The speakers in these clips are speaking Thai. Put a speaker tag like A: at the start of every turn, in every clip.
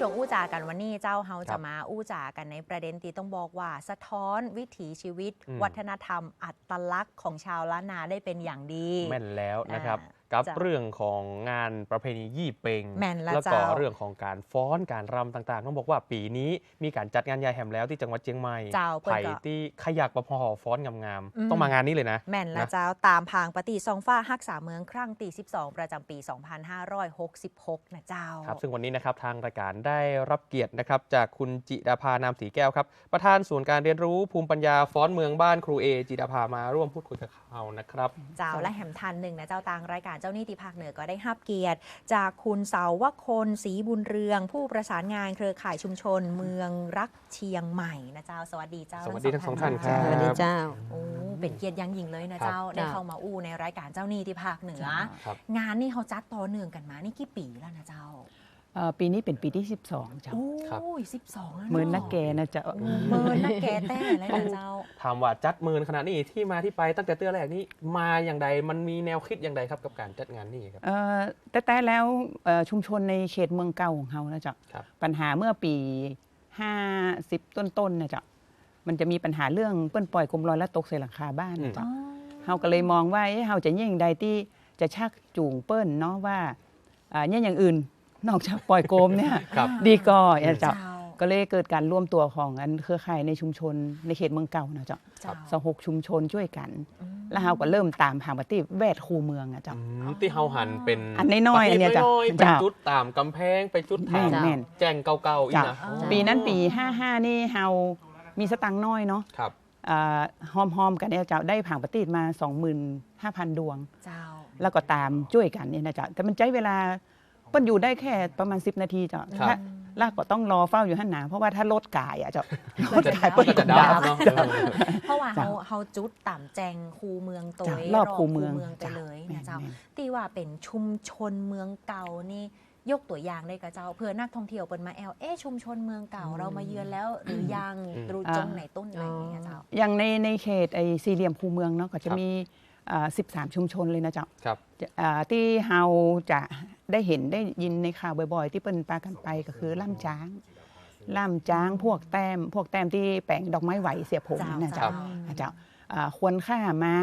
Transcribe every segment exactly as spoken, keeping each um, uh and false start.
A: ช่วงอู้จากันวันนี้เจ้าเฮาจะมาอู้จากันในประเด็นที่ต้องบอกว่าสะท้อนวิถีชีวิตวัฒนธรรมอัตลักษณ์ของชาวล้านนาได้เป็นอย่างดี
B: แม่นแล้วนะครับกับเรื่องของงานประเพณียี่เปง
A: แล้ว
B: ก็เรื่องของการฟ้อนการรำต่างๆต้องบอกว่าปีนี้มีการจัดงานใหญ่แหมแล้วที่จังหวัดเชียงใหม่ไผ่ที่ขยักประพอฟ้อนงามๆต้องมางานนี้เลยนะ
A: แม่นแล้วเจ้าตามพางปฏิซองฟ้าฮักษาเมืองครั้งที่สิบสองประจำปี สองพันห้าร้อยหกสิบหก นะเจ้า
B: ครับซึ่งวันนี้นะครับทางรายการได้รับเกียรตินะครับจากคุณจิดาภานามศรีแก้วครับประธานศูนย์การเรียนรู้ภูมิปัญญาฟ้อนเมืองบ้านครูเอจิดาภามาร่วมพูดคุยกับเรานะครับ
A: เจ้าและแหมทันหนึ่งนะเจ้าต่างรายการเจ้านี่ติภาคเหนือก็ได้รับเกียรติจากคุณเสาวคนศรีบุญเรืองผู้ประสานงานเครือข่ายชุมชนเมืองรักเชียงใหม่นะเจ้าสวัสดีเจ้า
B: สวัสดีทั้งสองท่านครับ
C: สวัสดีเจ้า
A: โอ้เป็นเกียรติยังยิ่งเลยนะเจ้าได้เข้ามาอู้ในรายการเจ้านี่ที่ภาคเหนืองานนี่เขาจัดต่อเนื่องกันมานี่กี่ปีแล้วนะเจ้า
C: ปีนี้เป็นปีที่สิบสองเจ้า
A: โอ้ยสิบสองแล้ว
C: เมินนักแกนะเจ้า
A: เมินนักแกแต่แล้วนะเจ้า
B: ถามว่าจัดเมินขนาดนี้ที่มาที่ไปตั้งแต่เตื้อแรกนี้มาอย่างใดมันมีแนวคิดอย่างใดครับกับการจัดงานนี้ครับ
C: แต่แต่แล้วชุมชนในเขตเมืองเก่าของเขานะเจ้าปัญหาเมื่อปีห้าสิบต้นๆนะเจ้ามันจะมีปัญหาเรื่องเปิ้นปล่อยกลมลอยและตกใส่หลังคาบ้านนะเจ้าเขาก็เลยมองว่าเขาจะยิ่งใดที่จะชักจูงเปิ้นเนาะว่าเนี่ยอย่างอื่นนอกจากปล่อยโกมเนี่ยดีก็อย่าเจ้าก็เลยเกิดการร่วมตัวของอันเครือข่ายในชุมชนในเขตเมืองเก่านะเจ้าสหกชุมชนช่วยกันแล้วเราก็เริ่มตามหาปฏิแวดคูเมืองอะเจ้า
B: ที่เฮาหันเป็น
C: อันน้อยๆอันเนี้ยเจ้า
B: ไปจุดตามกำแพงไปจุดถามแจ้งเก่าๆอีกนะ
C: ปีนั้นปีห้าห้านี่เฮามีสตังค์น้อยเนาะหอมๆกันเนี่ยเจ้าได้ผ่างปฏิมา สองหมื่นห้าพัน ดวงแล้วก็ตามช่วยกันเนี่ยนะเจ้าแต่มันใช้เวลาเปิ้นอยู่ได้แค่ประมาณสิบนาทีจ้ะลากก็ต้องรอเฝ้าอยู่หันหนาเพราะว่าถ้ารถกายอ่ะจ้ะรถกายเปิ้น
B: จะดับเนาะ
A: เพราะว่าเฮาเฮาจุดต่ำแจงคูเมืองตัว
C: รอบคูเมือง
A: ไปเลยนะเจ้าที่ว่าเป็นชุมชนเมืองเก่านี่ยกตัวอย่างได้กับเจ้าเพื่อนักท่องเที่ยวเปิ้นมาแอลเอ๊ชุมชนเมืองเก่าเรามาเยือนแล้วหรือยังรู้จงไหนต้นไหนเนี่ยเจ้า
C: อย่างในในเขตไอ้สี่เหลี่ยมคูเมืองเนาะก็จะมีสิบสามชุมชนเลยนะเจ้าที่เฮาจะได้เห็นได้ยินในข่าวบ่อยๆที่เปิ้นปากันไปก็คือล่ำจ้างล่ำจ้างพวกแต้มพวกแต้มที่แปลงดอกไม้ไหวเสียผมนะเจ้าเจ้าควรค่าม้า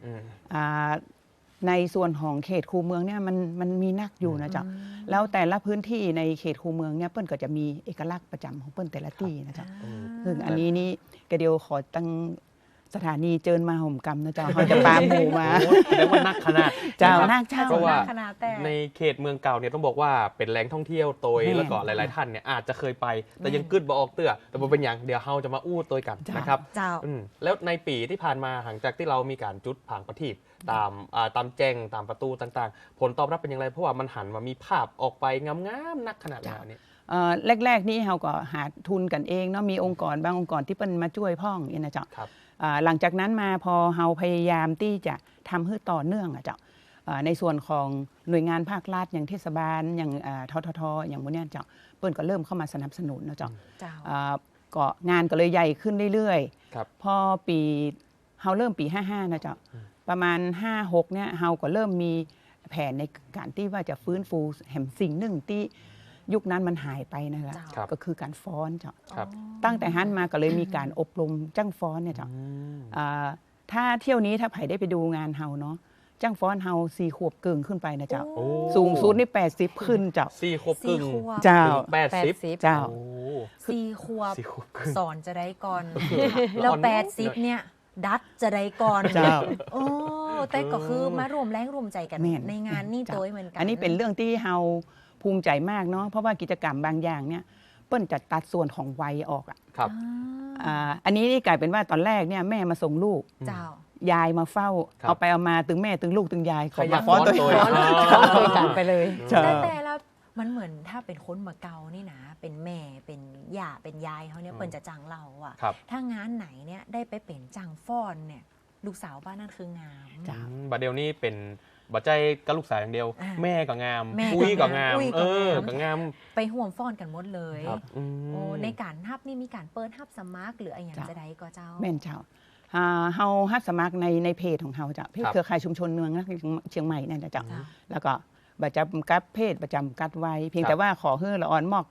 C: ในส่วนของเขตคูเมืองเนี่ยมันมันมีนักอยู่นะเจ้าแล้วแต่ละพื้นที่ในเขตคูเมืองเนี่ยเปิ้นก็จะมีเอกลักษณ์ประจำของเปิ้นแต่ละที่นะเจ้าซึ่งอันนี้นี่กระเดียวขอตั้งสถานีเจิญมาห่มกรรมนะเจ้าเขาจะปาหมูมา
B: เรียกว่านักขนาด
C: เจ้านักเจ้า
B: เพราะว่าในเขตเมืองเก่าเนี่ยต้องบอกว่าเป็นแหล่งท่องเที่ยวโตยแล้วก็หลายๆท่านเนี่ยอาจจะเคยไปแต่ยังกึดบ่ออกเตื้อแต่เป็นอย่างเดี๋ยวเราจะมาอู้ตัวกันนะครับแล้วในปีที่ผ่านมาหลังจากที่เรามีการจุดผางประทีปตามตามแจ้งตามประตูต่างๆผลตอบรับเป็นอย่างไรเพราะว่ามันหันมามีภาพออกไปงามๆนักขนาดนี้
C: แรกๆนี่เราก็หาทุนกันเองเนาะมีองค์กรบางองค์กรที่เป็นมาช่วยพ่องนี่นะเจ้าหลังจากนั้นมาพอเฮาพยายามที่จะทำให้ต่อเนื่องอ่ะเจ้าในส่วนของหน่วยงานภาครัฐอย่างเทศบาลอย่างทททอย่างพวกนี้เจ้าเปิ้นก็เริ่มเข้ามาสนับสนุนนะเจ้าก็งานก็เลยใหญ่ขึ้นเรื่อยๆพอปีเฮาเริ่มปีห้าสิบห้านะเจ้าประมาณห้าสิบหกเนี่ยเฮาก็เริ่มมีแผนในการที่ว่าจะฟื้นฟูแห่งสิ่งหนึ่งที่ยุคนั้นมันหายไปนะคะก็คือการฟ้อนเจ้าตั้งแต่ฮั่นมาก็เลยมีการอบรมจ้างฟ้อนเนี่ยเจ้าถ้าเที่ยวนี้ถ้าไผ่ได้ไปดูงานเฮาเนาะจ้างฟ้อนเฮาสี่ขวบเกินขึ้นไปนะเจ้าสูงสุดนี่แปดสิบขึ้นเจ้า
B: สี่ขวบกึ่ง
C: เจ้า
B: แปดสิบ
C: เจ้า
A: สี่ขวบสอนจะได้ก่อนแล้วแปดสิบเนี่ยดัดจะได้ก่อน
C: เจ้า
A: โอ้แต่ก็คือมารวมแรงรวมใจกันในงานนี่ตัวเหมือนกัน
C: อันนี้เป็นเรื่องที่เฮาภูมิใจมากเนาะเพราะว่ากิจกรรมบางอย่างเนี่ยเปิ้นจะตัดส่วนของวัยออกอ่ะ
B: ครับ
C: อันนี้นี่กลายเป็นว่าตอนแรกเนี่ยแม่มาส่งลูกยายมาเฝ้าเอาไปเอามาตึงแม่ตึงลูกตึงยายขอมาฟ้อนตัวเอง
A: คุยกันไปเลยแต่แต่แล้วมันเหมือนถ้าเป็นคนมาเกานี่นะเป็นแม่เป็นย่าเป็นยายเขาเนี่ยเปิ้นจะจังเราอ่ะถ้างานไหนเนี่ยได้ไปเป็นจังฟ้อนเนี่ยลูกสาวบ้านนั่นคืองาม
B: บัดเดียวนี้เป็นบ่ใจกับลูกสาวอย่างเดียวแม่ก็งามคุยก็งามเออก็งาม
A: ไปห่วงฟ้อนกันหมดเลยโอ้ในการฮับนี่มีการเปิดฮับสมัครหรืออะไรอย่างจะได้ก็เจ้า
C: แม่นเจ้าเฮาฮับสมัครในในเพจของเฮาเจ้าเพจเครือข่ายชุมชนเมืองเชียงใหม่นั่นเจ้าแล้วก็ประจำกัดเพจประจำกัดไว้เพียงแต่ว่าขอให้ละอ่อนมอก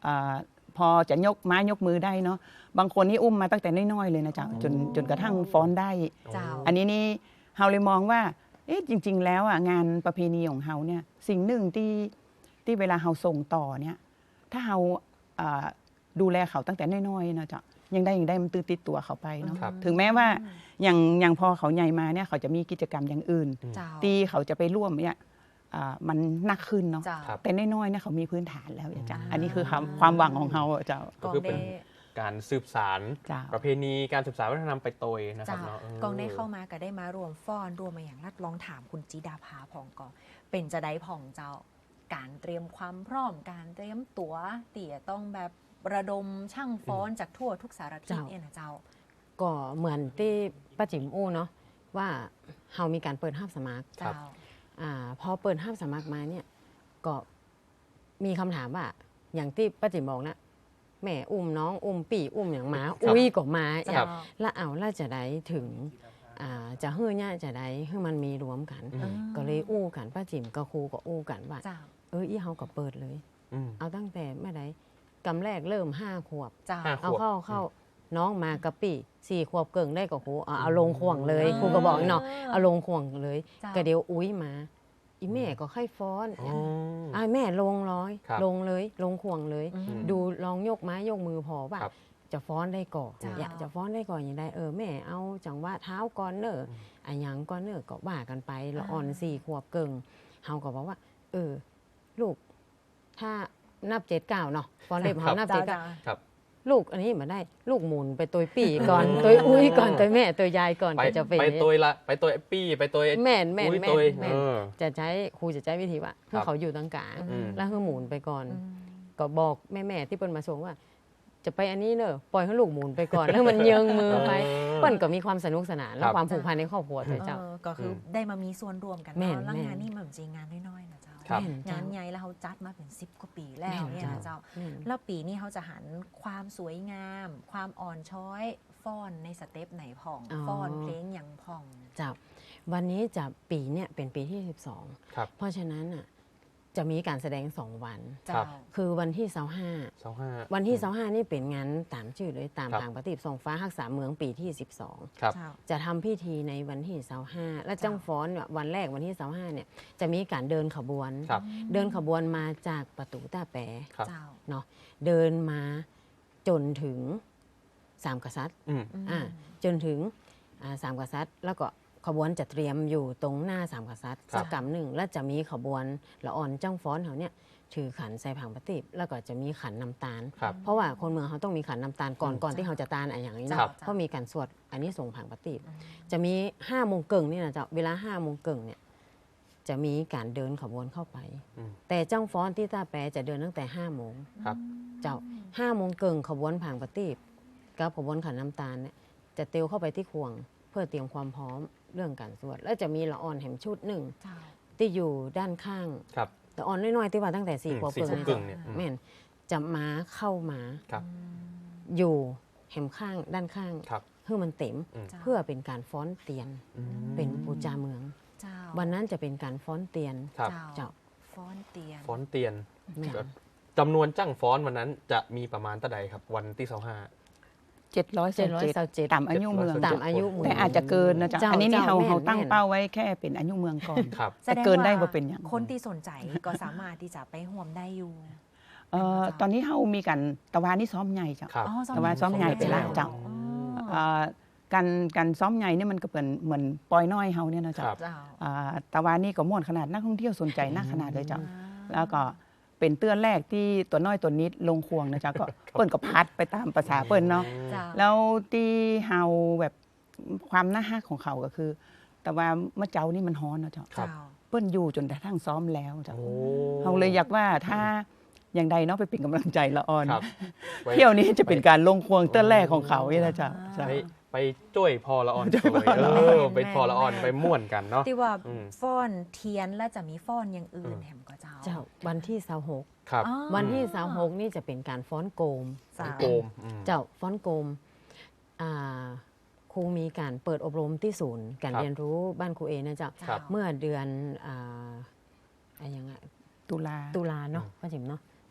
C: อาพอจะยกไม้ยกมือได้เนาะบางคนนี่อุ้มมาตั้งแต่น้อยๆเลยนะจ๊ะจนจนกระทั่งฟ้อนได้
A: เจ้า
C: อันนี้นี่เฮาเลยมองว่าเอ๊ะจริง ๆ แล้วอ่ะงานประเพณีของเฮาเนี่ยสิ่งหนึ่งที่ที่เวลาเฮาส่งต่อเนี่ยถ้าเฮาอ่าดูแลเขาตั้งแต่น้อยๆนะจ๊ะยังได้ยังได้มันตื้อติดตัวเขาไปเนาะ
B: ครับ
C: ถึงแม้ว่าอย่างอย่างพอเขาใหญ่มาเนี่ยเขาจะมีกิจกรรมอย่างอื่น
A: เจ้า
C: ที่เขาจะไปร่วมเนี่ยอ่ามันหนักขึ้นเนาะ
A: เจ้า
B: ครับ
C: แต่น้อยๆเนี่ยเขามีพื้นฐานแล้วจ้ะ
A: อืม
C: อันนี้คือความความหวังของเขาอะเจ้า
B: ก็คือเป็น
A: กองได้
B: การสืบสาร
C: เจ้า
B: ประเพณีการสืบสารวัฒนธรรมไปโตยนะครับ
A: เจ้า
B: เนาะเ
A: กองได้เข้ามาก็ได้มารวมฟ้อนรวมมาอย่างรัดลองถามคุณจิดาภาผ่องก่อนเป็นจะได้ผ่องเจ้าการเตรียมความพร้อมการเตรียมตัวเตี่ยต้องแบบระดมช่างฟ้อนจากทั่วทุกสารทิศ
D: เจ้า
A: เนี่ยนะเจ้า
D: ก็เหมือนที่ป้าจิ๋มอู้เนาะว่าเฮามีการเปิดห้าบสมัคร
A: เจ้า
D: อ่าพอเปิดห้าบสมัครมาเนี่ยก็มีคำถามว่าอย่างที่ป้าจิ๋มบอกนะแม่อุ้มน้องอุ้มปี่อุ้มอย่างหมา
B: ครับ
D: อุ้ยก็มา
A: เจ้า
D: อยากละเอาละจะได้ถึงอ่าจะเฮือเนี่ยจะได้ให้มันมีรวมกัน
B: อืม
D: ก็เลยอู้กันป้าจิ๋มกับครูก็อู้กันว่า
A: เจ้า
D: เอออีเฮาก็เปิดเลย
B: อืม
D: เอาตั้งแต่เมื่อใดกำแรกเริ่มห้าขวบ
A: เจ้า
B: ห้า
D: เอา
B: ขวบ
D: เข้าเข้าน้องมากะปิสี่ขวบเกิงได้กับครูเอาเอาลงข่วงเลย
A: อ่า
D: ครูก็บอกเนาะเอาลงข่วงเลย
A: เจ้า
D: ก็เดี๋ยวอุ้ยมา อีแม่ก็ค่อยฟ้อน
B: อ๋อ
D: อ่าแม่ลงร้อย
B: ครับ
D: ลงเลยลงข่วงเลย
A: อืม
D: ดูลองยกไม้ยกมือพอว่า
B: ครับ
D: จะฟ้อนได้ก่อน
A: เจ้า
D: อยากจะฟ้อนได้ก่อนอย่างไรเออแม่เอาจังหวะเท้าก่อนเนอะอันยังก่อนเนอะก็ว่ากันไปละอ่อนสี่ขวบเกิงเฮาก็บอกว่า เออ ลูกถ้านับเจ็ดเก้าเนาะฟ้อนเล็บ
B: ครั
D: เฮา
B: บ
D: นับ
A: เจ้า
D: เจ็ดเก้า
A: เจ้า
B: ครับ
D: ลูกอันนี้มาได้ลูกหมุนไปตัวปี่ก่อน ตัวอุ้ยก่อนตัวแม่ตัวยายก่อน
B: ไป
D: ก็จะเป็น
B: ไปโตยละไปโตยปี้ไปโตย
D: แม่นแม่น
B: อุ้ย
D: แม่
B: โต
D: น
B: ย
D: แม่น
B: เออ
D: จะใช้ครูจะใช้วิธีว่าเพื่อเขาอยู่ตรงกลาง
B: อืม
D: แล้วคือหมุนไปก่อน
A: อืม
D: ก็บอกแม่แม่ๆที่เปิ้นมาส่งว่า จะไปอันนี้เนอะปล่อยให้ลูกหมุนไปก่อน แล้วมันเยิงมือไป
B: เออ
D: เปิ้นก็มีความสนุกสนานและ
B: ครับ
D: ความผูกพันในครอบครัวเถอะเจ้า
A: เออก็คืออ
B: ม
A: ได้มามีส่วนร่วมกัน
D: แม่
A: เนาะ
D: น
A: แล้ว
D: แม่น
A: งานนี่มันจริงงานน้อยๆนะเจ้า
B: ครับ
D: แม่นเจ้
A: งานใหญ่แล้วเขาจัดมาเป็นสิบกว่าปีแล้ว
D: แม่น
A: เนี่ยนะเจ้า
D: แม่น
A: แล้วปีนี้เขาจะหันความสวยงาม ความอ่อนช้อยฟ้อนในสเต็ปไหนผ่อง
D: อ๋อ
A: ฟ้อนเพลงอย่างผ่อง
D: เจ้าวันนี้จะปีเนี่ยเป็นปีที่สิบสอง
B: ครับ
D: เพราะฉะนั้นอ่ะจะมีการแสดงสองวัน
B: ครั
A: เจ้า
B: บ
D: คือวันที่เสาร์ห้า
B: สองห้า
D: วันที่เสาร์ห้านี่เป็นงานตามชื่อเลยตาม
B: ครับ
D: ทางปฏิบัติทรงฟ้ารักษาเมืองปีที่สิบสอง
B: ครับ
A: เจ้า
D: จะทำพิธีในวันที่เสาร์ห้าและ
A: จ้ะ
D: จ้างฟ้อนเนี่ยวันแรกวันที่เสาร์ห้าเนี่ยจะมีการเดินขบวน
B: ครับ
D: เดินขบวนมาจากประตูตาแป
B: ครับ
A: เจ้า
D: เนาะเดินมาจนถึงสามกษัตริย์
B: อืม
A: อืม
D: อ่าจนถึงอ่าสามกษัตริย์ แล้วก็ขบวนจะเตรียมอยู่ตรงหน้าสามกษัตริย์
B: ครับ
D: สักกำหนึ่งแล้วจะมีขบวนละอ่อนจ้างฟ้อนเขาเนี่ยถือขันใส่ผังปฏิบแล้วก็จะมีขันน้ำตาล
B: ครับ
D: เพราะว่าคนเมืองเขาต้องมีขันน้ำตาลก่อน
B: อืม
D: ก่อนที่เขาจะตาลอะไรอย่างนี้
B: ครั
D: เนาะ
B: บ
D: เพราะมีการสวดอันนี้ส่งผังปฏิบ
A: อืม
D: จะมีห้าโมงเกิงนี่นะเจ้าเวลาห้าโมงเกิงเนี่ยจะมีการเดินขบวนเข้าไป
B: อืม
D: แต่จ้างฟ้อนที่ตาแปรจะเดินตั้งแต่ห้าโมง
B: ครับ
D: เจ้าห้าโมงเกิงขบวนผังปฏิบกับขบวนขันน้ำตาลเนี่ยจะเตียวเข้าไปที่ควง เพื่อเตรียมความพร้อมเรื่องการสวด แล้วจะมีละอ่อนแห่มชุดหนึ่ง
A: เจ้า
D: ที่อยู่ด้านข้าง
B: ครับ
D: ละอ่อนน้อยๆที่ว่าตั้งแต่สี่
B: อืม
D: ขวบ
B: สี่
D: เกิง
B: ขวบ
D: นะ
B: กึ่งเนี่ยอืม
D: แม่นจะมาเข้ามา
B: ครับ
D: อยู่แหมข้างด้านข้าง
B: ครับ
D: เพื่อมันเต็ม
B: อืม
A: จ้า
D: เพื่อเป็นการฟ้อนเตียน
B: อืม
D: เป็นปูจาเมือง
A: เจ้า
D: วันนั้นจะเป็นการฟ้อนเตียน
B: ครับ
D: เจ้า
A: ฟ้อนเตียน
B: ฟ้อนเตียน
D: แม่น
B: แบบจำนวนจ้างฟ้อนวันนั้นจะมีประมาณเท่าใดครับ วันที่สองห้า
C: เจ็ดร้อย
D: เจ็ดร้อย
C: เจ็ด
D: เศร้าเจ็ด
C: ตามอายุเมือง
B: 700
D: ตามอายุเมือง
C: แต่อาจจะเกินนะจ๊ะ
D: เจ้า
C: อันนี้นี่
D: เจ้า
C: เรา
D: แม่น
C: เราตั้ง
D: แม่น
C: เป้าไว้แค่เป็นอายุเมืองก่อน
B: ครับ
A: แสดง
C: เกินได้
A: ว่า
C: ว่าเป็นอย่าง
A: คนที่สนใจก็สามารถที่จะไปห่วมได้อยู่
C: เอ่อตอนนี้เรามีกันตะวันนี่ซ้อมใหญ่จ้ะ
B: ครับ
A: อ๋อ
C: แต่ว่าซ้อมใหญ่ไปแล้วเจ้า
A: อ๋อ
C: เอ่อการการซ้อมใหญ่เนี่ยมันก็เป็นเหมือนปอยน้อยเฮาเนี่ยนะจ๊ะ
B: ครับ
A: เจ้า
C: อ่าตะวันนี่ก็ม่วนขนาดนักท่องเที่ยวสนใจนักขนาดเลยจ้ะ
A: อ่า
C: แล้วก็เป็นเตื้อนแรกที่ตัวน้อยตัวนิดลงควงนะจ๊ะก็เปิ้นก็พัดไปตามภาษาเปิ้นเนาะ
A: เจ้า
C: แล้วที่เฮาแบบความน่าฮักของเขาก็คือ แต่ว่าเมื่อเจ้านี่มันฮ้อนเนาะจ๊ะ
B: ครับ
A: เจ้า
C: เปิ้นอยู่จนกระทั่งซ้อมแล้วจ้ะ
B: โอ้
C: เฮาเลยอยากว่าถ้าอย่างใดเนาะไปเป็นกำลังใจละออน
B: ครับไว้
C: เที่ยวนี้จะเป็นการลงควงเตื้อนแรกของเขาเนี่ยนะจ๊ะจ้ะ
B: ไปไปจ้วยพอละอ่อน
C: จ้วยพอละ
B: เอ
C: อ่อน
B: อไปพอละอ่อนไปม่วนกันเนาะ
A: ที่ว่า
B: อืม
A: ฟ้อนเทียนและจะมีฟ้อนอย่างอื่น
B: อืม
A: แถมก็เจ้า
D: เจ้าวันที่เสาหก
B: ครับ
A: อ๋อ
D: วันที่เสาหกนี่จะเป็นการฟ้อนโกม
A: เจ้า
B: โกมอืม
D: เจ้าฟ้อนโกมอ่าครูมีการเปิดอบรมที่ศูนย์การ
B: ครับ
D: เรียนรู้บ้านครูเอนะเจ้า
A: เจ้า
B: ครับ
D: เมื่อเดือนอ่าอะไรยังไง
C: ตุลา
D: ตุลาเนาะป้าจิ๋มเนาะ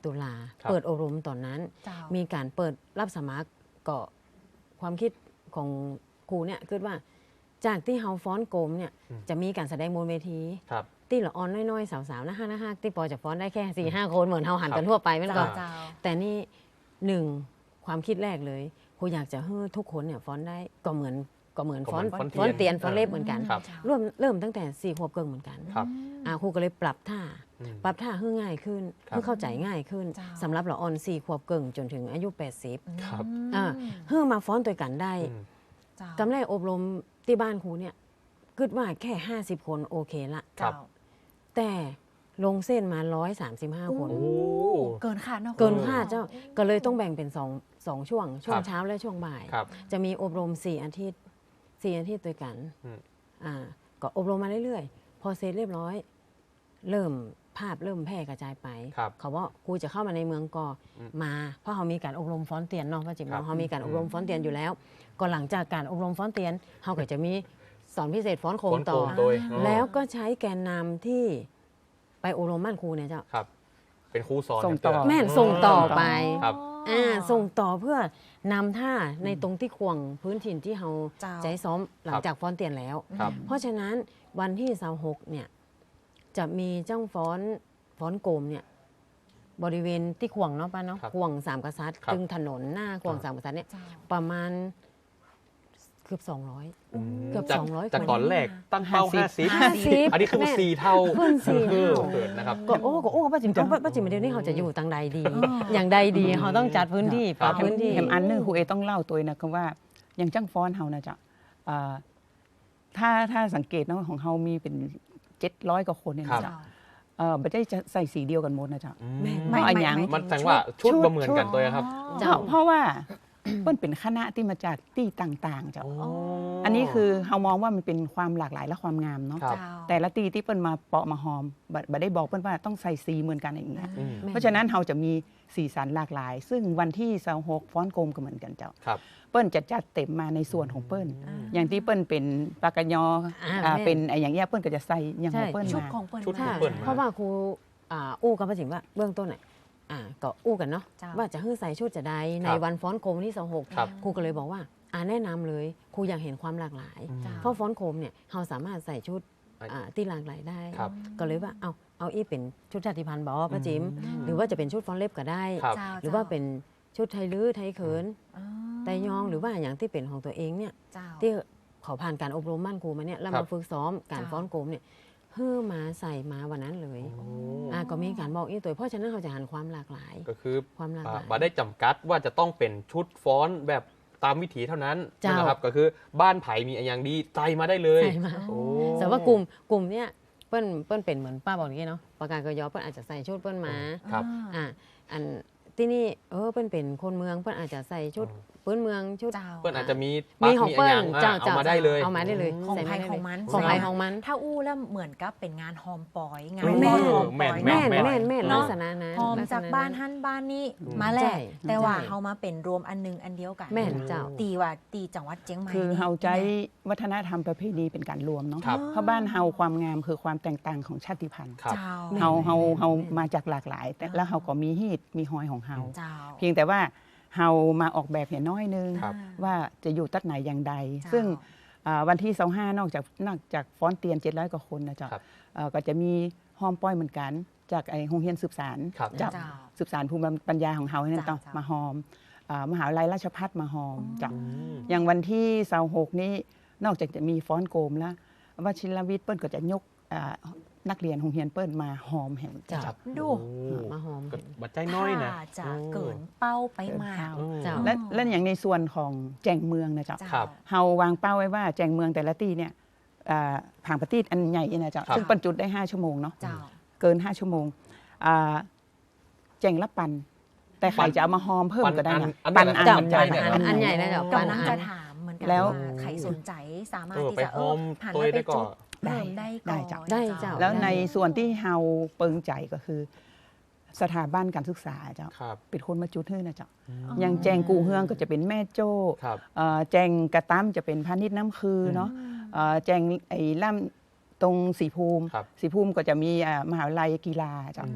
D: ตุลา
B: ครับ
D: เปิดอบรมตอนนั้น
A: เจ้า
D: มีการเปิดรับสมัครก็ความคิดของครูเนี่ยคิดว่าจากที่เฮาฟ้อนโกมเนี่ย
B: อืม
D: จะมีการแสดงบนเวที
B: ครับ
D: ที่ละออนน้อยๆ สาวๆนะฮะนะฮะที่ปอจะฟ้อนได้แค่สี่ห้าคนเหมือนเฮาหันกันทั่วไปไม่
A: เจ้า
D: ก็
A: เจ้า
D: แต่นี่หนึ่งความคิดแรกเลยครูอยากจะให้ทุกคนเนี่ยฟ้อนได้ก็เหมือนก็เหมือน
B: ก็
D: ฟ้อน
B: เหมือนฟ้
D: ฟ้
B: อ
D: อน น
B: เตี
D: เตี
B: ย
D: ย
B: น
D: นฟ้อนเล็บเหมือนกัน
B: ครับ
D: เริ่มเริ่มตั้งแต่สี่ขวบเกิงเหมือนกัน
B: ครับ
D: อ่าครูก็เลยปรับท่า
B: อืม
D: ปรับท่าให้ง่ายขึ้น
B: ครับ
D: ให้เข้าใจง่ายขึ้น
A: เจ้า
D: สำหรับละออนสี่ขวบเกิงจนถึงอายุแปดสิบ
B: ครับ
D: อ่า เพื่อมาฟ้อนตัวกันได้
B: อืม
A: เจ้าก
D: ำไรอบรมที่บ้านครูเนี่ยคิดว่าแค่ห้าสิบคนโอเคละ
B: ครับ
A: เจ้า
D: แต่ลงเส้นมาร้อยสามสิบห้าคน
B: โอ้
A: เกินคาดเนาะ
D: เกินคาดเจ้าก็เลยต้องแบ่งเป็นสองสองช่วง ช่ว
B: ค
D: ง
B: รับ
D: เช้าและช่วงบ่าย
B: ครับ
D: จะมีอบรมสี่อาทิตย์สี่อาทิตย์ด้วยกัน
B: อืม
D: อ่าก็อบรมมาเรื่อยๆ พอเสร็จเรียบร้อย เริ่มภาพเริ่มแพร่กระจายไป
B: ครับ
D: เขาว่าครูจะเข้ามาในเมืองก็
B: อืม
D: มา เพราะเขามีการอบรมฟ้อนเตียนเนาะป้าจิ๋ม
B: ครับ
D: เนาะเขามีการอบรมฟ้อนเตียนอยู่แล้ว ก็หลังจากการอบรมฟ้อนเตียนเขาก็จะมีสอนพิเศษฟ้อนโค
B: ฟ้
D: ม
B: อนโค
D: ต่อ
B: มโดยอ๋อ
D: แล้วก็ใช้แกนนำที่ไปอบรมบ้านครูเนี่ยเจ้า
B: ครับ เป็นครูสอน
C: ส่งต่อ
B: ย่าเย
D: แม่นส่งต่อไป
B: ครับ
D: อ่าส่งต่อเพื่อนำท่าในตรงที่ควงพื้นถิ่นที่เรา
A: เจ้า
D: ใจซ้อมหลังจากฟ้อนเตียนแล้ว
B: ครับ
D: เพราะฉะนั้นวันที่สาวหกเนี่ยจะมีเจ้าฟ้อนฟ้อนโกมเนี่ยบริเวณที่ขวงเนาะป้าเนาะ
B: ครับ
D: ขวงสามกษัตริย์
B: ครับ
D: ตึงถนนหน้าขวงสามกษัตริย์เนี่ย
A: เจ้า
D: ประมาณเกือบสองร้อย
B: อืม
D: เกือบ
B: จาก
D: สองร้อย
B: จาก
D: คน
B: ก่อนแรกตั้งเป้า
C: ห้า
B: ห้า
C: สิ
B: สิ
C: บ
B: บ
D: ห้าสิบ
B: อันนี้คือ
D: แม่
B: สี่เท่า
D: ขึ้นสี่
B: คือ
D: เท่า
B: เกิดนะครับ
D: ก็โอ้ก็โอ้ป้าจิ๋มเอาป้าป้าจิ๋มเดี๋ยวนี้เขาจะอยู่ต่างใดดี อย่างใดดีเขาต้องจัดพื้นที่ปรับ
B: ครับ
D: พื้นที่
C: แถมอันหนึงครูเอต้องเล่าตัวนะคือว่าอย่างจ้างฟ้อนเฮานะจ๊ะเอ่อถ้าถ้าสังเกตเนาะของเฮามีเป็นเจ็ดร้อยกว่าคนเนี่ย
B: ครับ
C: นะจ๊ะเออไม่ได้จะใส่สีเดียวกันหมดนะจ๊ะ
B: อื
D: แม่
B: ม
C: ไม่อันหยัง
B: มันแสดงว่าชุดบ่เหมือนกันตัวครับ
C: เพราะเพราะว่า เปิ้นเป็นคณะที่มาจากที่ต่างๆจ้ะ
B: โอ้
C: อันนี้คือเฮามองว่ามันเป็นความหลากหลายและความงามเนาะ
B: ครับ
A: เจ้า
C: แต่ละตีที่เปิ้นมาเปาะมาหอมบ่บ่ได้บอกเปิ้นว่าต้องใส่สีเหมือนกันอย่างเงี้ย
B: อืม
D: แม่
C: เพราะฉะนั้นเราจะมีสีสันหลากหลาย ซึ่งวันที่ยี่สิบหกฟ้อนโกมก็เหมือนกันเจ้า
B: ครับ
C: เปิ้นจะจัดเต็มมาในส่วนของเปิ้น
A: อ่า
C: อย่างที่เปิ้นเป็นปากกะยอ
D: อ่า
C: อ่า
D: แม่
C: เป็นไอ้อย่างเงี้ยเปิ้นก็จะใส่อย่างของ
D: ใช่
C: เปิ้น
A: ชุด
C: มา
A: ของเปิ้ล
B: ชุดของ
A: มา
B: เปิ้ล
D: เพราะว่าครูอ่าอู้กับป้าจิ๋มว่าเบื้องต้นน่ะอ่าก็อู้กันเนาะ
A: เจ้า
D: ว่าจะให้ใส่ชุดจะใดใน
B: ครับ
D: วันฟ้อนโคมที่สองหก
B: ครับ
D: ครูก็เลยบอกว่าอ่าแนะนำเลยครูอยากเห็นความหลากหลาย
B: อืม
A: จ้า
D: เพราะฟ้อนโคมเนี่ยเราสามารถใส่ชุด
B: อ่า
D: อ่าที่หลากหลายได้
B: ครับ
D: ก็เลยว่าเอาเอาอีเป็นชุดชาติพันธุ์บอป้าจิ๋ม
B: อืม
D: หรือว่าจะเป็นชุดฟ้อนเล็บก็ได้
B: ครับ
A: เจ้า
D: หรือว่าเป็นชุดไทยลื้อไทยเขิน
A: อ๋อ
D: ไตยองหรือว่าอย่างที่เป็นของตัวเองเนี่ย
A: เจ้า
D: ที่เขาผ่านการอบรมมั่นครูมาเนี่ยแล้ว
B: ครั
D: มา
B: บ
D: ฝึกซ้อมการ
A: จ้า
D: ฟ้อนโกมเนี่ยเพื่อมาใส่มาวันนั้นเลย
B: โอ้
D: อ่าก็มีการบอกอีกตัวเพราะฉะนั้นเขาจะหันความหลากหลาย
B: ก็คือ
D: ความหลากห
B: อ่า
D: ลาย
B: บ่ได้จำกัดว่าจะต้องเป็นชุดฟ้อนแบบตามวิถีเท่านั้น
D: เจ้า
B: นะครับก็คือบ้านไผ่มีอย่างดีใจมาได้เลย
D: ใส่มา
B: โอ้
D: แต่ว่ากลุ่มกลุ่มเนี้ยเปิ้นเปิ้นเป็นเหมือนป้าบอกอย่างนี้เนาะประกาศกยอเปิ้นอาจจะใส่ชุดเปิ้นมา
B: ครับ
D: อ่าอันที่นี่เออเปิ้นเป็นคนเมืองเปิ้นอาจจะใส่ชุดพื้นเมืองชุด
A: เจ้า
B: เพื่อนอาจจะมี
D: มี
B: ปัก
D: ของ
B: มี
D: เปิ้
B: อะ
D: ล
B: ไรอย่างอ่ะ
D: เจ้า
B: เอา
D: เจ้า
B: มาได้เลย
D: เอามาได้เลย
A: ของ
D: ใส่
A: ใคร
D: มาได้
A: ข
D: เล
A: อย งมัน
D: ของใคร
A: แสด
D: ของมัน
A: ถ้าอู้แล้วเหมือนกับเป็นงานฮอมปอย งาน
D: แม่
A: ฮอมปอย
B: แม่
D: แม่
B: น
D: นแม่นแม่น
A: เน
D: ลั
A: อะ
D: กษณะนั้น
A: ฮอม
D: ลัษณะ
A: จากบ้านฮั่นบ้านนี้
B: อืม
A: มาแหละ
D: ใช่
A: แต่ว่า
D: ใช่
A: เฮามาเป็นรวมอันหนึงอันเดียวกัน
D: แม่นเจ้า
A: ตีว่าตีจังหวัดเชียงใหม่
C: คือ
A: นี่
C: เฮาใจวัฒนธรรมประเพณีเป็นการรวมเนาะ
B: ครับ
C: เพราะบ้านเฮาความงามคือความแตกต่างของชาติพันธุ์
B: ครับ
A: เจ้า
D: แม่น
C: เฮาเฮาเฮา
D: แม่น
C: มาจากหลากหลาย แต่แล้วเฮาก็มีฮีตมีฮอยของเฮา
A: เจ้า
C: เพียงแต่ว่าเฮามาออกแบบเนี่ยน้อยนึง
B: ครับ
C: ว่าจะอยู่ตัดไหนอย่างใด
A: เจ้า
C: ซึ่งอ่าวันที่ยี่สิบห้านอกจากนอกจากฟ้อนเตียนเจ็ดร้อยกว่าคนนะจ๊ะ
B: ครับ
C: เอ่อก็จะมีฮอมป้อยเหมือนกัน จากไอ้โรงเรียนสืบสาร
B: ครับ
C: จาก
A: เจ้า
C: สืบสารภูมิปัญญาของเฮาให้นั่น
A: เจ้า
C: ต้อง
A: เจ้าม
C: มาฮอมอ่ามหาวิทยาลัยราชภัฏมาฮอมจ้ะ
B: อืม
C: อย่างวันที่ยี่สิบหกนี้นอกจากจะมีฟ้อนโกมแล้ววชิรวิทย์เปิ้ลก็จะยกอ่านักเรียนโรงเรียนเปิ้ลมาฮอมแห่ง
D: จ้ะ
C: จ้ะ
A: ดู
B: โอ้
D: มาหอม
B: ก็บัดใจน้อยนะ
A: ถ้าจะ
B: โอ้
A: เกินเป้าไปมาก
C: เกินเป้า
D: เจ้า
C: และและอย่างในส่วนของแจงเมืองนะจ๊ะ
A: เจ้า
B: ครับ
C: เฮาวางเป้าไว้ว่าแจงเมืองแต่ละที่เนี่ยอ่าผางประตีดอันใหญ่เนี่ยนะจ๊ะ
B: ครับ
C: ซึ่งปันจุดได้ห้าชั่วโมงเนาะ
A: เจ้า
C: เกินห้าชั่วโมงอ่าแจงละปัน แต่ใครจะเอามาฮอมเพิ่มก็ได้นะ
B: ปันอัน
C: ปัน
B: เจ้า
C: อัน
B: ใหญ่
C: จ้ะ
B: เนี่ย
D: อันใหญ่นะเจ้า
A: กำลังจะถามเหมือนกัน
C: แล้ว
A: ว่าใครสนใจสามารถ
B: เออ
A: ที่
B: ไป
A: จะ
B: โฮม
A: หัน
B: ตัว
A: มา
B: ได้
A: ไป
B: ก่
A: จุ
B: อ
A: ด
B: น
A: เพิ่มได้ก่อน
C: ได้จ้ะ
D: ได้เจ้า
C: แล้วในส่วนที่เฮาเปิงใจก็คือ สถาบันการศึกษาเจ้า
B: ครับ
C: เป็นคนมาจุดให้นะเจ้า
B: อืม
C: อย่างแจงกูเฮืองก็จะเป็นแม่โจ้
B: ครับ
C: เอ่อแจงกระตั้มจะเป็นพาณิชย์น้ำคือเนาะเอ่อแจงไอ้ล่ำตรงสีภูมิ
B: ครับ
C: สีภูมิก็จะมีอ่ามหาวิทยาลัยกีฬาเจ้า
B: อืม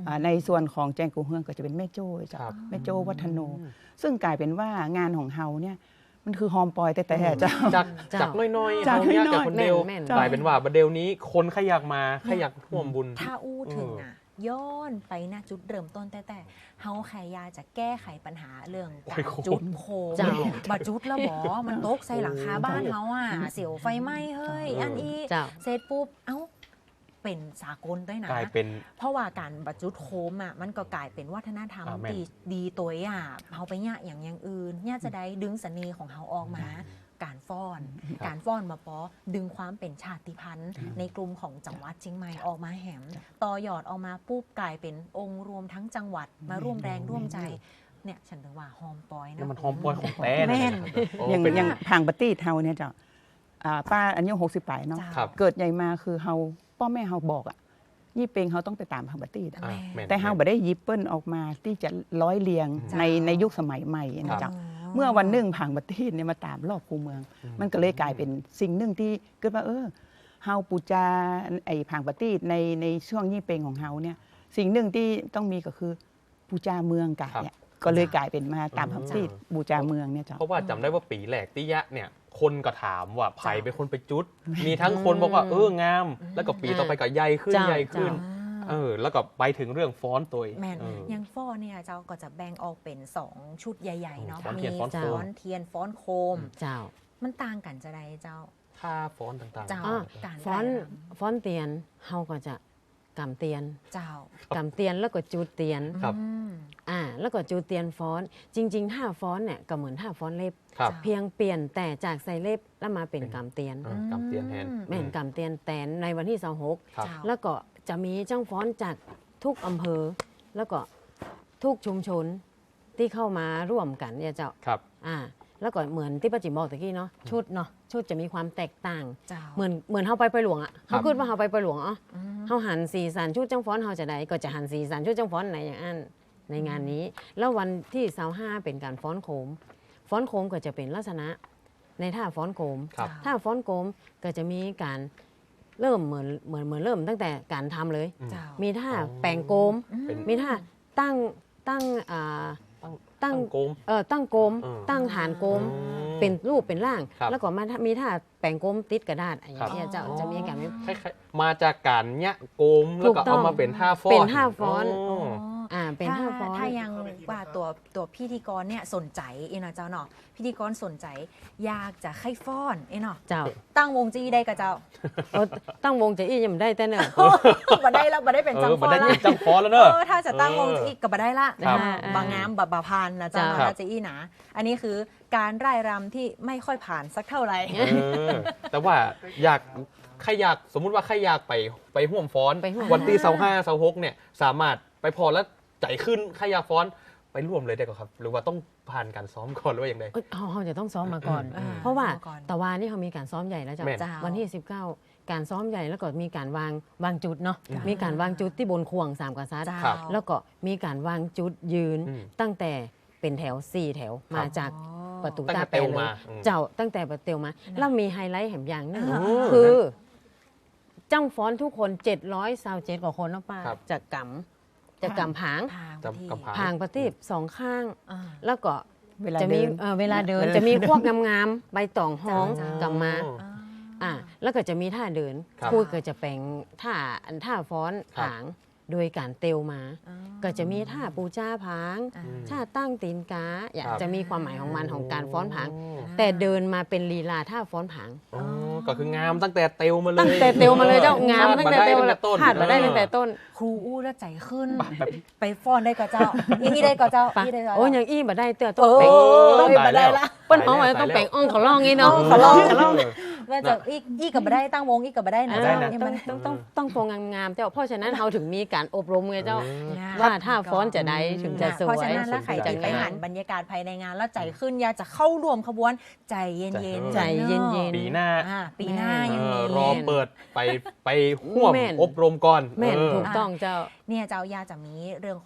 C: อ่าในส่วนของแจงกูเฮืองก็จะเป็นแม่โจ้เจ้า
B: ครับ
C: แม่โจ้วัฒโน ซึ่งกลายเป็นว่างานของเฮาเนี่ยมันคือฮอมปอยแต่แต่เจ้า
B: จาก
D: เจ้า
B: จากน้อยๆ
C: จาก
B: เฮาเนี่ย
C: น้อยๆ
B: กับคนเดียว
D: แม่น
B: กลายเป็นว่าบัดเดยวนี้คนขยักมาขยักท่วมบุญ
A: ถ้าอู้ถึงอ่ะย้อนไปนะจุดเริ่มต้นแต่แต่เฮาแค่ยาจะแก้ไขปัญหาเรื่องการ
B: โอ้ย
A: จุดโคม
D: เจ้า
A: บัดจุดแล้วบอมันตกใส่หลังคาบ้านเฮาอ่ะเสียวไฟไหม้เฮ้ย
B: เอออั
A: อันอี
D: เจ้า
A: เสร็จปุ๊บเอ้าเป็นสากลด้วยนะ
B: กลายเป็น
A: เพราะว่าการบัดจุดโคมอ่ะมันก็กลายเป็นวัฒนธรรม
B: อ่าแม่น
A: ดีดีตัวอ่ะเฮาไปเนี่ยอย่างอย่างอื่นเนี่ยจะได้ดึงเสน่ห์ของเฮาออกมา การฟ้อน การฟ้อนมาปอดึงความเป็นชาติพันธุ์ ในกลุ่มของจังหวัดเชียงใหม่ออกมาแหมต่อยอดออกมาปุ๊บกลายเป็นองค์รวมทั้งจังหวัดมาร่วมแรงร่วมใจเนี่ยฉันถึงว่าฮอมปอยนะ
B: นี่มันหอมปอยของแต้
A: แม่น
B: โอ้
C: อย่าง
B: เป็น
C: อย่างทางปฏิเฮาเนี่ยเจ้าอ่าป้าอายุหกสิบปลายเนาะ
A: จ้า
B: ครับ
C: เกิดใหญ่มาคือเฮาพ่อแม่เฮาบอกอ่ะยี่เป็งเฮาต้องไปตามทางปฏิ
B: อ่าม่น
C: แต่เฮาบ่ได้ยิบเปิ้ลออกมาที่จะร้อยเรียง
A: จ้า
C: ในในยุคสมัยใหม่นะเจ้าเมื่อวันหนึ่งผังปฏิเนี่ยมาตามรอบคูเมือง มันก็เลยกลายเป็นสิ่งหนึ่งที่เกิดว่าเออเฮาปูจาไอ้ผังปฏิในในช่วงยี่เป็งของเฮาเนี่ยสิ่งหนึ่งที่ต้องมีก็คือปูจาเมืองกะเนี่ยก็เลยกลายเป็นมาตามผังปฏิปูจาเมืองเนี่ยเจ้า
B: เพราะว่าจำได้ว่าปีแหลกติยะเนี่ยคนก็ถามว่าไผ่เป็นคนไปจุด มีทั้งคนบอกว่าเอองาม แล้วก็ปีต่อไปก็ใหญ่ขึ้น
D: เจ้า
B: ใหญ่ขึ้น
A: อ่า
B: เออแล้วก็ไปถึงเรื่องฟ้อนตัว
A: แม่น
B: เออ
A: ยังฟ้อนเนี่ยเจ้าก็จะแบ่งออกเป็นสองชุดใหญ่ๆเนาะ
B: ฟ้อน
A: มี
B: เทียนฟ้อนโคม
A: ฟ้อนเทียนฟ้อนโคม
D: เจ้า
A: มันต่างกันจะใดเจ้า
B: ท่าฟ้อนต่างๆ
A: เจ้า
D: อ่า
A: การ
D: ฟ้อน
A: ได้ร
D: ฟ้อนเตียนเฮาก็จะกำเตียน
A: ำเจ้า
D: กำเตียนแล้วก็จูดเตียน
B: ครับ
A: อืม
D: อ่าแล้วก็จูดเตียนฟ้อน จริงๆท่าฟ้อนเนี่ยก็เหมือนท่าฟ้อนเล็บ
B: ครับ
A: จ้ะ
D: เพียงเปลี่ยนแต่จากใส่เล็บแล้วมาเป็น
B: เป็น
D: กำเตียน
B: เออกำเตียนแทน
A: อืม
D: แม่นกำเตียนแตนในวันที่สองหก
B: ครับ
A: เจ้า
D: แล้วก็จะมีเจ้าฟ้อนจากทุกอำเภอ แล้วก็ทุกชุมชนที่เข้ามาร่วมกันเนี่ยเจ้า
B: ครับ
D: อ่าแล้วก็เหมือนที่ป้าจิ๋มบอกตะกี้เนาะชุดเนาะชุดจะมีความแตกต่าง
A: เจ้า
D: เหมือนเหมือนเฮาไปไปหลวงอ่ะ
B: ครั
D: เขา
B: บ
D: พูดว่าเฮาไปไปหลวงอ๋อ
A: อืม
D: เฮาหันสีสันชุดจังฟ้อนเฮาจะได้ก็จะหันสีสันชุดจังฟ้อนไหนอย่างอันในงานนี้ แล้ววันที่เสาร์ห้าเป็นการฟ้อนโคม ฟ้อนโคมก็จะเป็นลักษณะในท่าฟ้อนโคม
B: ครับ
D: ท่าฟ้อนโคมก็จะมีการเริ่มเหมือนเหมือนเหมือนเริ่มตั้งแต่การทำเลย
A: เจ้า
D: มีท่า
B: อ๋อ
D: แปลงโกม
B: เป็น
D: มีท่าตั้งตั้งอ่า
B: ตั้ง
D: ตั้ง
B: โกม
D: เออตั้งโกม
B: อืม
D: ตั้งฐานโกม
B: อืม
D: เป็นรูปเป็นร่าง
B: ครับ
D: แล้วก็มามีท่าแปลงโกมติดกระดาษอะไรอย่าง
B: ครับ
D: เงี้ยเจ้าจะมีการมี
B: คล้ายๆมาจากการเนี้ยโกมแล้วก็
D: ถูกต้
B: เอา
D: อง
B: มาเป็นท่าฟ้อน
D: เป็นท่าฟ้อน
B: อ๋อ
D: อ่าเป็นท่าฟ้อน
A: ถ้ายังว่าตัวตัวพิธีกรเนี่ยสนใจเอ็นะเจ้าเนาะพิธีกรสนใจอยากจะให้ฟ้อนเอ็เนาะ
D: เจ้า
A: ตั้งวงจีได้กับเจ้า
D: เออตั้งวงจะอี้ยังไม่ได้แต่เนอะ
A: บ่ได้แล้วบ่ได้เป็น
B: เอ
A: จัง
B: อ
A: ฟ
B: บั
A: อน
B: ได้
A: ละ
B: ยินจังฟ้อนแล้ว
A: เอ
B: เนอะ
A: อถ้าจะตั้งวงจีก็บ่ได้ละ
B: ครับ
A: อ่าบางงามแบบบาพานนะเจ้า
D: จ้ะ
A: เนาะถ้าจะอี้หนาอันนี้คือการร่ายรำที่ไม่ค่อยผ่านสักเท่าไหร่
B: เออแต่ว่าอยากใครอยากสมมุติว่าใครอยากไปไปห่วมฟ้อน
D: ไปร่วม
B: วันที่เสาห้าเสาหกเนี่ยสามารถไปพอแล้วใจขึ้นใครอยากฟ้อนไปร่วมเลยได้ก่อนครับ หรือว่าต้องผ่านการซ้อมก่อนหรือว่าอย่างไร
D: เอ้ยเขาเขาจะต้องซ้อมมาก่อน
A: อ่า
D: เพราะว่า
A: ซ้อมก่อน
D: ตะวันนี่เขามีการซ้อมใหญ่แล้วจ้ะ
B: แม่น
A: เจ้า
D: วันที่สิบเก้าการซ้อมใหญ่แล้วก็มีการวางวางจุดเนาะ
A: จ้ะ
D: มีการวางจุดที่บนควงสามกษัตริย์
A: เจ้า
B: ครับ
D: แล้วก็มีการวางจุดยืน
B: อืม
D: ตั้งแต่เป็นแถวสี่แถวมาจาก
A: อ๋อ
D: ประตู
B: ตั้ง
D: ตา
B: แต่
D: แปร
B: เตล
D: เล
B: มาย อืม
D: เจ้าตั้งแต่ประเตียวมา
A: นะ
D: แล้วมีไฮไลท์แห่งอย่างหนึง
A: อ่า
D: คือจ้างฟ้อนทุกคนเจ็ดร้อยสาวเจ็ดกว่าคนเนาะป้า
B: ครับ
D: จากกำจากกำผาง
A: ทาง
B: จำกำผ
D: ผางประทีปสองข้าง
A: อ่า
D: แล้วก็
C: เวลา
D: จะมี
C: เดิน
D: เอ่อเวลาเดิน
C: เวลา
D: จะมีพวกงามๆใบตองห้อง
A: จ้ะ
D: กำมา
A: อ่า
D: อ่าแล้วก็จะมีท่าเดิน
B: ครับ
D: พูดก็จะแปลงท่าอันท่าฟ้อน
B: ครับ
D: ผางโดยการเตลมา
A: อ่า
D: ก็จะมีท่าปูจ้าผาง
A: อ่า
D: ท่าตั้งตีนกาอยาก
B: ครับ
D: จะมีความหมายของมันของการฟ้อนผาง
B: อ๋อ
D: แต่เดินมาเป็นลีลาท่าฟ้อนผาง
B: อ๋อก็คืองามตั้งแต่เตลมาเลย
D: ตั้งแต่เตลมาเลยเจ้างามตั้งแต่เตล
B: พลาด
D: เลย
B: ต้น
D: พลาดมาได้ตั้งแต่ต้น
A: ครูอู้แล้วใจขึ้น
B: แบบ
A: ไปฟ้อนได้กับเจ้าอีนี่ได้กับเจ้า
D: ปะ
A: อีได้กับ
D: โอ้ย
A: เจ้า
D: ยังอี้มาได้เตื้อ
A: เอ
D: ต้องแปลง
A: อ
B: ตาย
A: มาได้
B: แล้ว
A: ละ
D: เปิ้นหอมว่าต้องแปลงอ่องเขาล่องงี้เนาะ
A: เขาล่อง
B: เขาล่อง
A: ว่าจะอีอีกับมาได้ตั้งวงอีกับมาได้นะ
D: อ่า
A: เจ้า
B: ได้นะ
A: นี่
D: ต้อ
A: มั
D: ง
A: น
D: ต้องต้องต้องโปรงงามๆเจ้าเพราะฉะนั้นเราถึงมีการอบรมไงเจ้า
A: นะ
D: ว่าถ้าฟ้อนจะได้ถึงจะสวย
A: เพราะฉะนั้นแล้วใคร
B: จะ
A: จะไป
B: งาม
A: หันบรรยากาศภายในงานแล้วใจขึ้นอยากจะเข้าร่วมขบวนใจเย็นๆ
D: ใจเย็นๆ
B: ปีหน้า
A: อ่าปีหน้า
D: แม่
A: ยัง
B: เอ
A: มี
B: อรอเปิดไปไปห่วม
D: แม่น
B: อบรมก่อน
D: แม่น
B: เออ
D: ถูกต้องเจ้า
A: เนี่ยเจ้ายาจะมีเรื่องของ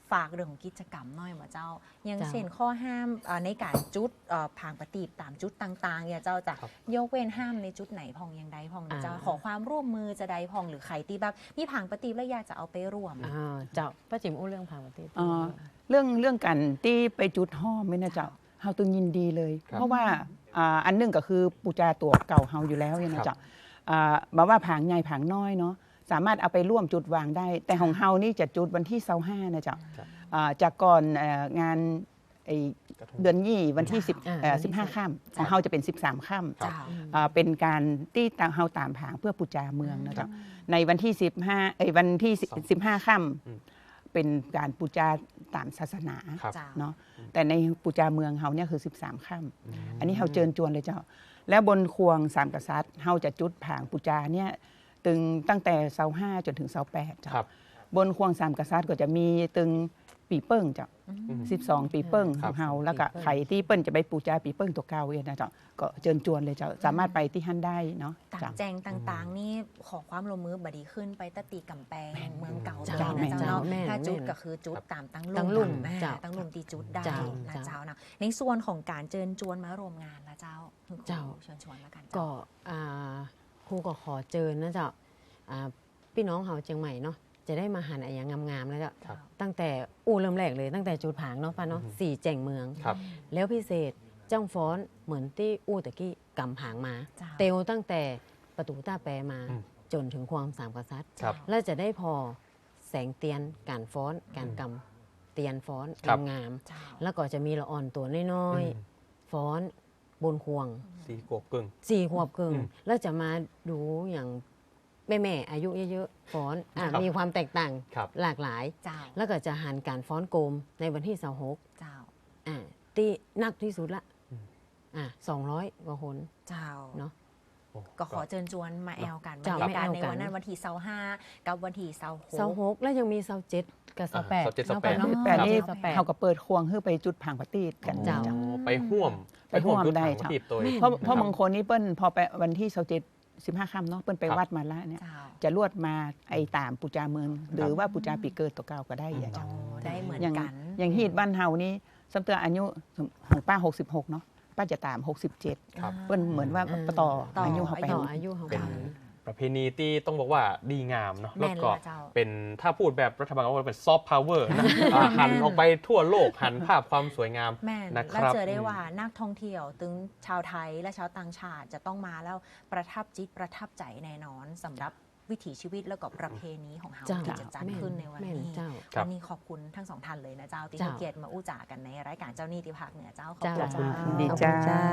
A: ฝากเรื่องของกิจกรรมหน่อยมาเจ้าอย่างเช่นข้อห้ามในการจุดผางปฏิบตามจุดต่างๆอย่าเจ้าจะยกเว้นห้ามในจุดไหนพองยังใดพองเจ้าขอความร่วมมือจะใดพองหรือใครที่แบบมีผางปฏิบแล้วอยากจะเอาไปร่วม
D: เจ้าป้าจิ๋มอู้เรื่องผางปฏิบ
C: เรื่องเรื่องกันที่ไปจุดห้อมไม่นะเจ้าเฮาตึงยินดีเลย เพราะว่าอันนึงก็คือปูจาตัวเก่าเฮาอยู่แล้วเนี่ยนะเจ้าบอกว่าผางใหญ่ผางน้อยเนาะสามารถเอาไปร่วมจุดวางได้แต่ของเฮานี่จะจุดวันที่เสาห้านะเจ้าจากก่อนงานเดือนยี่วันที่สิบสิบห้าค่ำของเฮาจะเป็นสิบสามค่ำเป็นการตีตามเฮาตามผางเพื่อปูจาเมืองนะเจ้าในวันที่สิบห้าเอ้ยวันที่สิบห้าค่ำเป็นการปูจาตามศาสนาเนาะแต่ในปูจาเมืองเฮาเนี่ยคือสิบสามค่ำอันนี้เฮาเชิญชวนเลยเจ้าแล้วบนควงสามกษัตริย์เฮาจะจุดผางปูจาเนี่ยตึงตั้งแต่เสาห้าจนถึงเสาแปดจ้ะบนควงสามกษัตริย์ก็จะมีตึงปีเปิ้งจ้ะสิบสองปีเปิ้งของเฮาแล้วก็ใครที่เปิ้ลจะไปปูจาปีเปิ้งตัวเก่าเองนะจ๊ะก็เชิญชวนเลยจ้ะสามารถไปที่ฮั่นได้เนาะ
A: ต่างแจงต่างๆนี่ขอความร่วมมือบดีขึ้นไปตะตีกำแพงเมืองเก่าเจ้านะเจ้าถ้าจุดก็คือจุดตามตั้งลุ่มตั้งลุ่มตีจุดได้นะเจ้านะในส่วนของการเชิญชวนมารวมงานนะเจ้าเจ้าเชิญชวนแล้วกัน
D: ก็ครูก็ขอเชิญนะเจ้าพี่น้องเฮาเชียงใหม่เนาะจะได้มาหันอะไรอย่างงามๆแล้วจ้ะตั้งแต่อู้เริ่มแรกเลยตั้งแต่จุดผางเนาะป้าเนาะสี่แจ่งเมืองแล้วพิเศษจ้องฟ้อนเหมือนที่อู้ตะกี้กำผางมาเตวตั้งแต่ประตูต้าแปรมาจนถึงความสามกษัตริย์แล้วจะได้พอแสงเตียนการฟ้อนการกำเตียนฟ้อนงามๆแล้วก็จะมีละอ่อนตัวน้อยๆฟ้อนบนควง
B: สี่ขวบกึ่ง
D: สี่ขวบกึ่งแล้วจะมาดูอย่างแม่แม่อายุเยอะๆฟ้อนอมีความแตกต่างหลากหลายแล้วก็จะหันการฟ้อนโกมในวันที่เสาร์หกที่นักที่สุดละอ่าสองร้อยกว่าคน
A: เจ้า
D: เนาะ
A: ก็ขอเชิญชวนมาแอลกันบรรยากาศในวันนั้นวันที่เสาร์ห้ากับวันที่เสาร์หก
D: เสาร์หกแล้วยังมีเสาร์เจ็ดกับเสาร์แปด
B: เสาร์แปด
C: แปดนี่เขาก็เปิดควงเพื่อไปจุดผางปฏิบกัน
B: เจ้าไปห่วม
C: ไปห่วมได้เจ้าเพราะเพราะบางคนนี่เปิ้ลพอไปวันที่เสาร์เจ็ดสิบห้าค่ำเนาะเปิ้ลไปวัดมาแล้วเนี่ยจะลวดมาไอ้ตามปูจาเมืองหรือว่าปูจาปีเกิดตัวเก่าก็ได้อย่างเจ้า
A: ได้เหมือนกัน
C: อย่างฮีดบ้านเฮานี่สำเตืออายุของป้าหกสิบหกเนาะป้าจะตามหกสิบเจ็ดเปิ้ลเหมือนว่าต่ออายุเขาไป
D: อายุเขา
B: เป็นประเพณีที่ต้องบอกว่าดีงามเนาะแล้วก็เป็นถ้าพูดแบบรัฐบาลก็เป็นซอฟต์พาวเวอร์นะหันออกไปทั่วโลกหันภาพความสวยงาม
A: นะครับแล้วเจอได้ว่านักท่องเที่ยวถึงชาวไทยและชาวต่างชาติจะต้องมาแล้วประทับจิตประทับใจแน่นอนสำหรับวิถีชีวิตแล้วก็ประเพณีของเฮาที่จะจัดขึ้นในวันนี้วันนี้ขอบคุณทั้งสองท่านเลยนะเจ้าที่ให้เกียรติมาอู้จ๋ากันในรายการเจ้านี่ที่ภาคเหนือเจ้าขอบคุณ
C: ดีเจ้า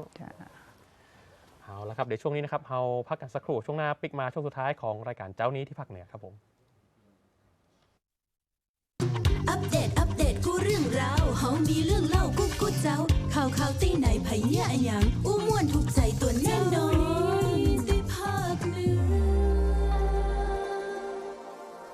B: เอาละครับเดี๋ยวช่วงนี้นะครับเราพักกันสักครู่ช่วงหน้าปิกมาช่วงสุดท้ายของรายการเจ้านี้ที่ภาคเหนือครับผม
E: อัปเดตอัปเดตกูเรื่องราวเฮามีเรื่องเล่ากูกูเจ้าข่าวข่าวตีไหนไผเหี้ยอะหยังอู้